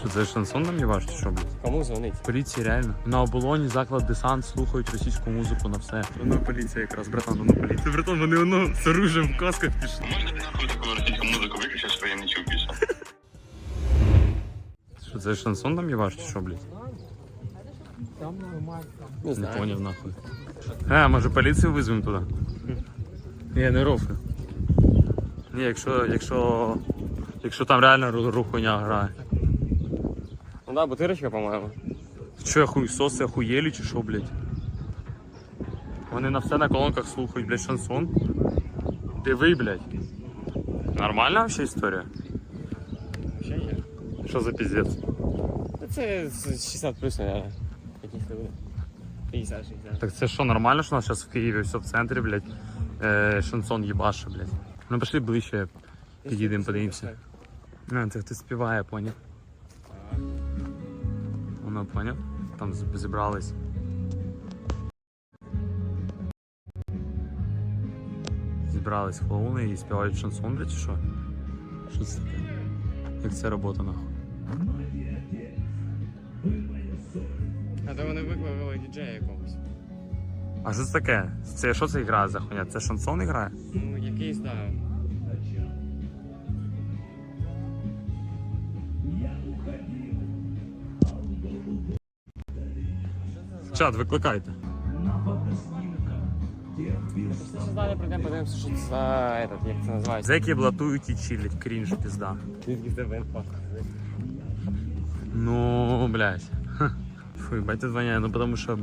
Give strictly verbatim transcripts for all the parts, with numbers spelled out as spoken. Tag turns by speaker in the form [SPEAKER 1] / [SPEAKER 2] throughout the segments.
[SPEAKER 1] Що це шансон нам не ваш, чи що, блядь?
[SPEAKER 2] Кому дзвонить?
[SPEAKER 1] Поліції реально. На оболоні заклад десант слухають російську музику на все. Воно поліція якраз, братан, воно поліція. Братан, вони воно з оружием в касках пішли.
[SPEAKER 3] Можна ти нахуй таку російську музику виключити, що я не чув більше?
[SPEAKER 1] Що це шансон нам не ваш, чи що, блядь?
[SPEAKER 2] Не
[SPEAKER 1] Не
[SPEAKER 2] знаю.
[SPEAKER 1] поняв нахуй. А, може поліцію визвемо туди? Ні, не рофлю. Ні, якщо, якщо, якщо там реально ру- рухуня грає.
[SPEAKER 2] Ну да, бутирочка, по-моєму.
[SPEAKER 1] Що я хуйсоси охуєлі чи що, блядь? Вони на все на колонках слухають, блядь, шансон. Диви, блядь. Нормальна вообще історія?
[SPEAKER 2] Ще є.
[SPEAKER 1] Що за піздець?
[SPEAKER 2] Та це з шістдесят плюс, наверное. Якісь люди. п'ятдесят шістдесят.
[SPEAKER 1] Так це що, нормально, що у нас зараз в Києві все в центрі, блядь, е, шансон їбаше, блядь. Ну пішли ближче, підійдемо, подивимося. А, це хтось співає, поняв? Воно, поняв? Там з- зібрались. Зібрались клоуни і співають шансон, блядь, чи що? Що це таке? Як це робота, нахуй?
[SPEAKER 2] А то вони викликали діджея якогось.
[SPEAKER 1] А що це таке? Це що це грає за хуйня? Це шансон грає?
[SPEAKER 2] Ну, якийсь, да.
[SPEAKER 1] Чат, викликайте.
[SPEAKER 2] Просто далі прийдемо, подивимося, що це за этот, як це називається.
[SPEAKER 1] Зеки блатують і чилять, крінж, пізда.
[SPEAKER 2] Звідки в тебе пахне?
[SPEAKER 1] Ну, блядь. Ха. Фу, батя звоняє, ну потому що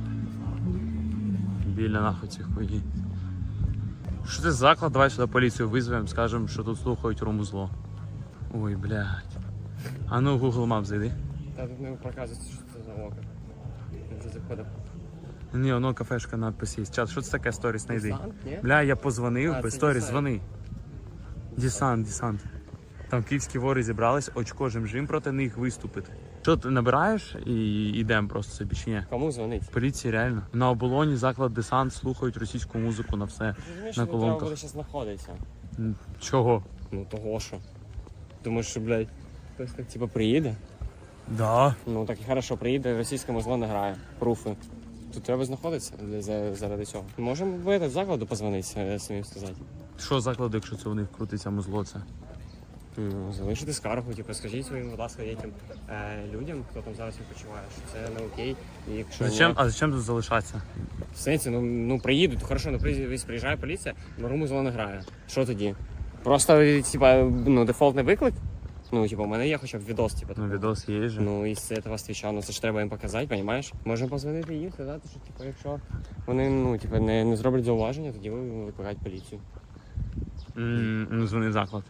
[SPEAKER 1] біля нахуй ці хуї. Що це за заклад? Давай сюди поліцію визвемо, скажемо, що тут слухають румузло. Ой, блядь. А ну в Google Maps зайди.
[SPEAKER 2] Та тут не показується, що це за око. Він вже заходив.
[SPEAKER 1] Ні, воно кафешка надпис є. Чат, що це таке сторіс знайди?
[SPEAKER 2] Десант, ні?
[SPEAKER 1] Бля, я позвонив,
[SPEAKER 2] А, це
[SPEAKER 1] сторіс,
[SPEAKER 2] десант.
[SPEAKER 1] дзвони. Десант, десант. Там київські вори зібрались, очко жим-жим проти них виступити. Що ти набираєш і йдемо просто собі чи ні?
[SPEAKER 2] Кому дзвонить?
[SPEAKER 1] Поліції реально. На оболоні заклад десант слухають російську музику на все.
[SPEAKER 2] Ти розумієш,
[SPEAKER 1] На
[SPEAKER 2] що тут треба
[SPEAKER 1] колонках.
[SPEAKER 2] буде зараз знаходитися?
[SPEAKER 1] М, Чого?
[SPEAKER 2] Ну того що. Думаєш, що, блядь, хтось так типа приїде?
[SPEAKER 1] Да.
[SPEAKER 2] Ну так і хорошо, приїде, російське музло не грає. Пруфи. Тут треба знаходитися для- за- заради цього. Можемо в этот закладу позвонити, самим сказати.
[SPEAKER 1] Що закладу, якщо це у них крутиться музло це?
[SPEAKER 2] Ну, залишити скаргу, типу, скажіть своїм, будь ласка, яким е, людям, хто там зараз відпочиває, що це не окей. І якщо
[SPEAKER 1] Зачем?
[SPEAKER 2] ні,
[SPEAKER 1] А зачем тут залишатися?
[SPEAKER 2] в сенсі, ну, ну приїдуть, хорошо, ну приїзд- приїжджає поліція, но музло не грає. Що тоді? Просто, типа, ну, дефолтний виклик? Ну, типу, у мене є хоча б відос, типу.
[SPEAKER 1] Ну, відос є же.
[SPEAKER 2] Ну, із цього свіча, ну це ж треба їм показати, розумієш? Можемо позвонити їм, сказати, що типу, якщо вони ну, типу, не, не зроблять зауваження, тоді ви викликають поліцію.
[SPEAKER 1] М, Ну, дзвони заклад.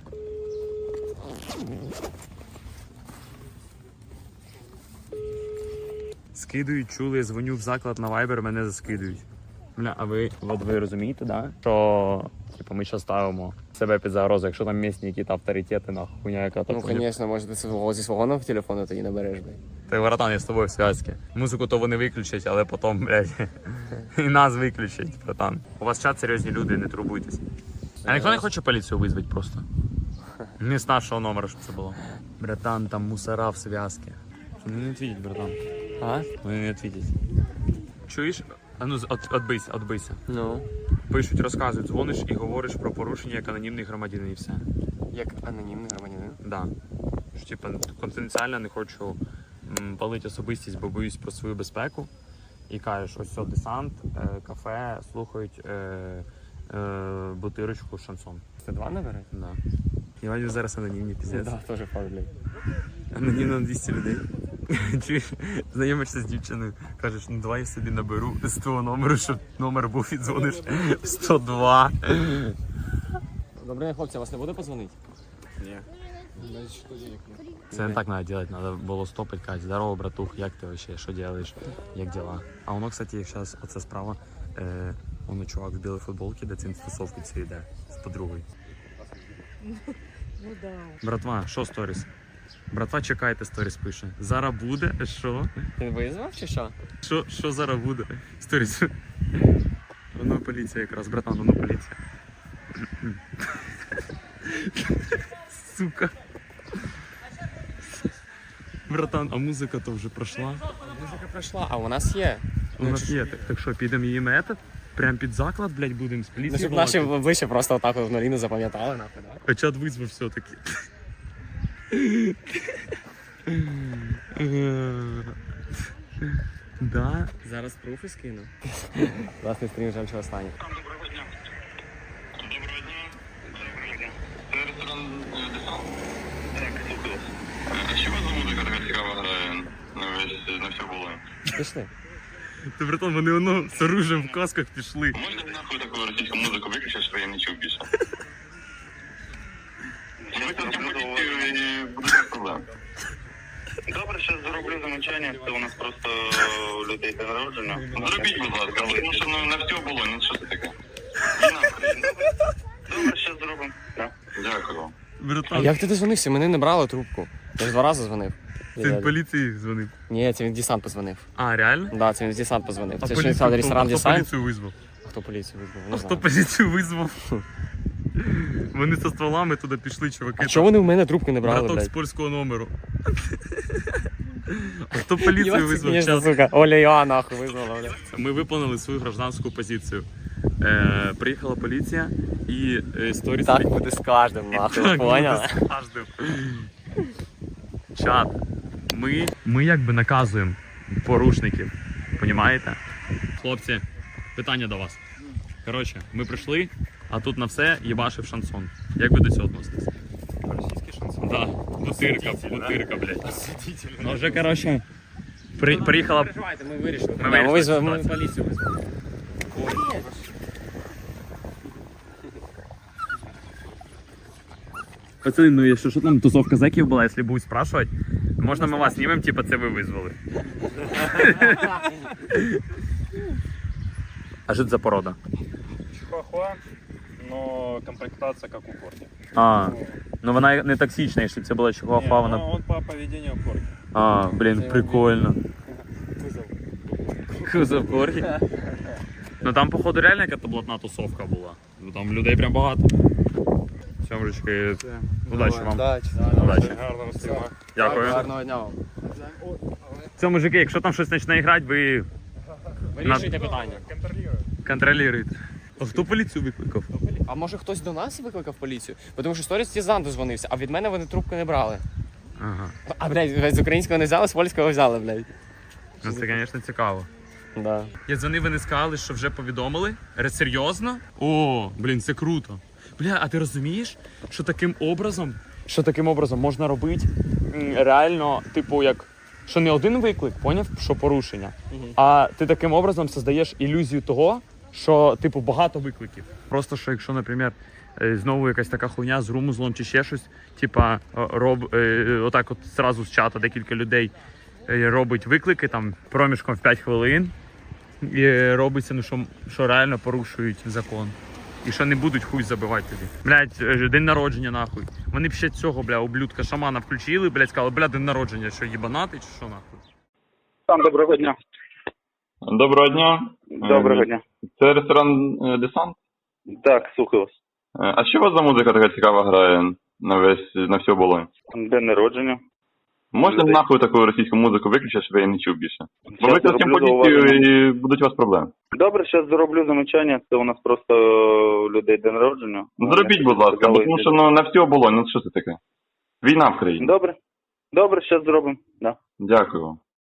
[SPEAKER 1] Скидують, чули, я дзвоню в заклад на Viber, мене заскидують. Бля, а ви, от ви розумієте, да? Що типу, ми зараз ставимо себе під загрозу, якщо там місні якісь авторитети, нахуй, хуйня яка
[SPEAKER 2] Ну, звісно, може ти свого зі свого номера телефону тоді набереш, блядь.
[SPEAKER 1] Та братан, я з тобою в зв'язці. Музику то вони виключать, але потім, блядь, і нас виключать, братан. У вас чат серйозні люди, не турбуйтесь. А ніхто не хоче поліцію визвати просто? Не з нашого номера, щоб це було. Братан, там мусора в зв'язці. Вони не відвідять, братан.
[SPEAKER 2] А?
[SPEAKER 1] Вони не відвідять. Чуєш? А ну, от, отбийся, отбийся.
[SPEAKER 2] Ну.
[SPEAKER 1] Пишуть, розказують, дзвониш і говориш про порушення як анонімний громадянин і все.
[SPEAKER 2] Як анонімний громадянин.
[SPEAKER 1] Да. Що, типа, конфіденціально не хочу м, палити особистість, бо боюсь про свою безпеку. І кажеш, ось все, десант, е, кафе, слухають е, е, бутирочку, шансон.
[SPEAKER 2] Це два набери?
[SPEAKER 1] Да. І вони зараз анонімні, піздець.
[SPEAKER 2] Так, теж факт, блядь.
[SPEAKER 1] Анонімно на двісті людей. Чуєш, знайомишся з дівчиною, кажеш, ну давай я собі наберу з того номеру, щоб номер був і дзвониш в сто два.
[SPEAKER 2] Добре, хлопці, вас не буде позвонити?
[SPEAKER 1] Ні. Це не так треба робити, треба було стопити, казати, здорово, братух, як ти вообще, що робиш, як діла? А воно, кстати, як зараз, оце справа, е, воно чувак в білій футболці, де цим стосовки ці йде, з подругою.
[SPEAKER 4] Ну да.
[SPEAKER 1] Братва, що сторіс? Братва, чекайте, сторіс пише. Зараз буде, що?
[SPEAKER 2] Ти визвав чи що?
[SPEAKER 1] Що, що зараз буде? Сторіс. Воно поліція якраз, братан, воно поліція. Сука. Братан, а музика то вже пройшла.
[SPEAKER 2] Музика пройшла, а у нас є.
[SPEAKER 1] У нас є. Так, так що, підемо її метод? Прям під заклад, блядь, будемо з
[SPEAKER 2] Ну,
[SPEAKER 1] поліції
[SPEAKER 2] щоб наші
[SPEAKER 1] балакати?
[SPEAKER 2] обличчя просто отак в нулі не запам'ятали, нахуй, да?
[SPEAKER 1] А чат визвав все-таки. Да.
[SPEAKER 2] Зараз пруфи скину. Власний стрім жаль, що останній.
[SPEAKER 3] Доброго дня. Доброго дня. Доброго дня. Це ресторан е, Десант? Так, слухаю вас. Е, А що у вас за музика така цікава грає на весь, на всю було?
[SPEAKER 2] Пішли.
[SPEAKER 1] Ти, братан, вони воно з оружием в касках пішли.
[SPEAKER 3] Можна нахуй таку російську музику виключити, щоб я не чув більше? Викликати поліцію і буде без проблем. Добре, зараз зроблю замечання, це у нас просто у людей день народження. Зробіть, будь ласка, тому що ну, на все було, ну що це таке? Війна в країні. Добре, зараз зробимо. Так. Дякую вам.
[SPEAKER 2] А
[SPEAKER 1] Братан,
[SPEAKER 2] як ти дозвонився? Мене не брали трубку. Я ж два рази дзвонив.
[SPEAKER 1] ти в поліції дзвонив.
[SPEAKER 2] Ні, це він в десант позвонив.
[SPEAKER 1] А, реально?
[SPEAKER 2] Да, це він в десант позвонив.
[SPEAKER 1] А
[SPEAKER 2] Це ж
[SPEAKER 1] поліцію
[SPEAKER 2] він сказав
[SPEAKER 1] хто-
[SPEAKER 2] ресторан
[SPEAKER 1] а хто
[SPEAKER 2] десант.
[SPEAKER 1] поліцію визвав?
[SPEAKER 2] А хто поліцію визвав?
[SPEAKER 1] А
[SPEAKER 2] Не
[SPEAKER 1] хто
[SPEAKER 2] знаю.
[SPEAKER 1] поліцію визвав? Вони зі стволами туди пішли, чуваки.
[SPEAKER 2] А чого вони в мене трубку не брали,
[SPEAKER 1] Браток з
[SPEAKER 2] блядь?
[SPEAKER 1] польського номеру. А хто поліцію
[SPEAKER 2] Єбать,
[SPEAKER 1] визвав?
[SPEAKER 2] конечно,
[SPEAKER 1] Час.
[SPEAKER 2] сука. Оля Іоанна нахуй визвала, блядь.
[SPEAKER 1] Ми виконали свою гражданську позицію. Е, приїхала поліція і е, сторіс...
[SPEAKER 2] Так буде з кожним, нахуй,
[SPEAKER 1] Так,
[SPEAKER 2] поняла?
[SPEAKER 1] буде з кожним. Чат. Ми, ми якби наказуємо порушників. Понімаєте? Хлопці, питання до вас. Коротше, ми прийшли, а тут на все їбашив шансон. Як ви до цього відноситесь?
[SPEAKER 2] Російський шансон.
[SPEAKER 1] Да, бутирка, бутирка, блядь. Ну вже, коротше, при, приїхала...
[SPEAKER 2] Переживайте, ми вирішили.
[SPEAKER 1] Ми
[SPEAKER 2] Да, Ми
[SPEAKER 1] вирішили
[SPEAKER 2] визвали, ми
[SPEAKER 1] ситуацію.
[SPEAKER 2] поліцію визвали.
[SPEAKER 1] Пацаны, ну якщо що там тусовка зеків була, якщо будуть спрашивать, можна ми вас знімемо, типа це ви визвали. А що це за порода?
[SPEAKER 4] Чихуахуа, но комплектация как у корги.
[SPEAKER 1] А, ну вона не токсична, якщо б це була чихуахуа,
[SPEAKER 4] Не,
[SPEAKER 1] вона...
[SPEAKER 4] но он по поведению корги.
[SPEAKER 1] А, блін, прикольно. Кузов корги. Ну там, походу, реально якась блатна тусовка була. Ну там людей прям багато. Сьомрочки, удачі вам. Удачі.
[SPEAKER 4] Гарного стріма.
[SPEAKER 1] Дякую.
[SPEAKER 2] Гарного дня вам.
[SPEAKER 1] Це, мужики, якщо там щось почне грати, ви
[SPEAKER 2] Вирішуйте питання.
[SPEAKER 1] контролюєте. А хто поліцію викликав?
[SPEAKER 2] А може хтось до нас викликав поліцію? Бо Тому що сторіс Тізан дозвонився, а від мене вони трубку не брали.
[SPEAKER 1] Ага.
[SPEAKER 2] А, блядь, з українського не взяли, з польського взяли, блядь.
[SPEAKER 1] Ну це, звісно, цікаво.
[SPEAKER 2] Да.
[SPEAKER 1] Я дзвонив, вони сказали, що вже повідомили. Ре- Серйозно? О, блін, це круто. Бля, а ти розумієш, що таким образом, що таким образом можна робити м, реально, типу, як, що не один виклик, поняв, що порушення, а ти таким образом создаєш ілюзію того, що, типу, багато викликів. Просто, що якщо, наприклад, е, знову якась така хуйня з румузлом чи ще щось, типа, о, роб, е, отак от зразу з чата декілька людей е, робить виклики там проміжком в п'ять хвилин, і робиться, ну що, що реально порушують закон. І що не будуть хуй забивати тобі. Блять, день народження нахуй. Вони б ще цього, бля, ублюдка шамана включили, блять, сказали, бля, день народження, що їбанати чи що нахуй.
[SPEAKER 5] Там доброго дня.
[SPEAKER 3] Доброго дня.
[SPEAKER 5] Доброго дня.
[SPEAKER 3] Це ресторан е, Десант?
[SPEAKER 5] Так, слухаю вас.
[SPEAKER 3] Е, А що у вас за музика така цікава грає на весь, на всю оболонь?
[SPEAKER 5] День народження.
[SPEAKER 3] Можна
[SPEAKER 5] Людей.
[SPEAKER 3] нахуй таку російську музику виключити, щоб я її не чув більше? Бо
[SPEAKER 5] Щас
[SPEAKER 3] викликати
[SPEAKER 5] зроблю
[SPEAKER 3] поліцію
[SPEAKER 5] зауваження.
[SPEAKER 3] і будуть у вас проблеми.
[SPEAKER 5] Добре, зараз зроблю замечання. Це у нас просто у людей день народження.
[SPEAKER 3] Зробіть, будь ласка, бо тому що ну, на всю оболонь, ну що це таке? Війна в країні.
[SPEAKER 5] Добре. Добре, зараз зробимо. Да.
[SPEAKER 3] Дякую вам.